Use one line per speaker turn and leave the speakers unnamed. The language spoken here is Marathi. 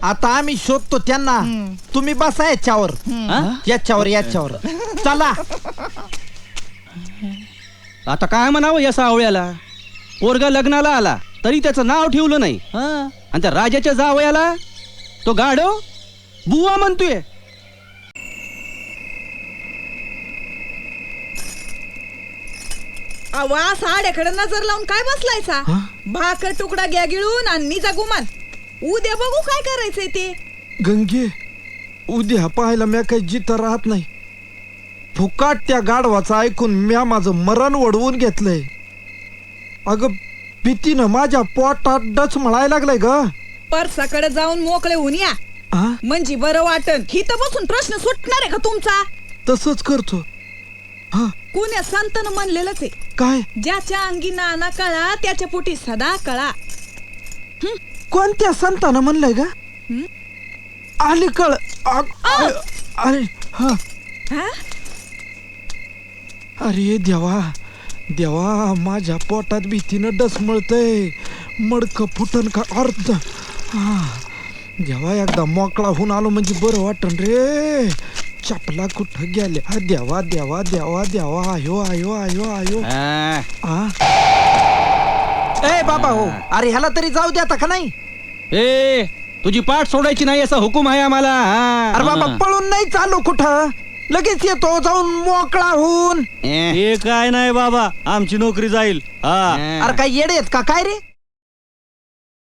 आता आम्ही शोधतो त्यांना. तुम्ही बसा याच्यावर याच्यावर चला.
आता काय म्हणावं या सावळ्याला? पोरगा लग्नाला आला तरी त्याचं नाव ठेवलं नाही, आणि त्या राजाच्या जावयाला तो गाढव बुवा म्हणतोय.
आवा साड्याकडे नजर लावून काय बसलायचा? भाकर तुकडा घ्या गिळून आणि निजा गुमान. उद्या बघू काय करायचंय ते.
गंगे, उद्या पाहायला म्या काही जिथं राहत नाही. फुकाट त्या गाढवाचं ऐकून म्या माझं मरण वडवून घेतलंय. अगं भीतीनं माझ्या पोटात डच म्हणायला लागलाय ग.
परसाकडे जाऊन मोकळे होऊन या, म्हणजे बरं वाटन. हिथं बसून प्रश्न सुटणार आहे का तुमचा?
तसंच करतो.
कोण्या संतानं म्हणलेलंच आहे,
काय?
ज्याच्या अंगी नाना कळा त्याच्या पोटी सदा कळा.
कोणत्या संतानं म्हणलंय ग? अलीकड अरे
हा?
अरे देवा देवा, माझ्या पोटात भीतीनं डसमळतय. मडक फुटन का अर्थ. देवा, एकदा मोकळा होऊन आलो म्हणजे बरं वाटन रे. चपला कुठं गेल्या? देवा देवा देवा देवा. आयो आयो आयो आयो. ए बाबा हो, अरे ह्याला तरी जाऊ द्या का नाही?
ए, तुझी पाठ सोडायची नाही असा हुकूम आहे आम्हाला.
अरे बाबा, पळून नाही चालू कुठं, लगेच येतो जाऊन मोकळा होऊन.
हे काय नाही बाबा, आमची नोकरी जाईल.
अरे काय येडे आहेत का काय रे?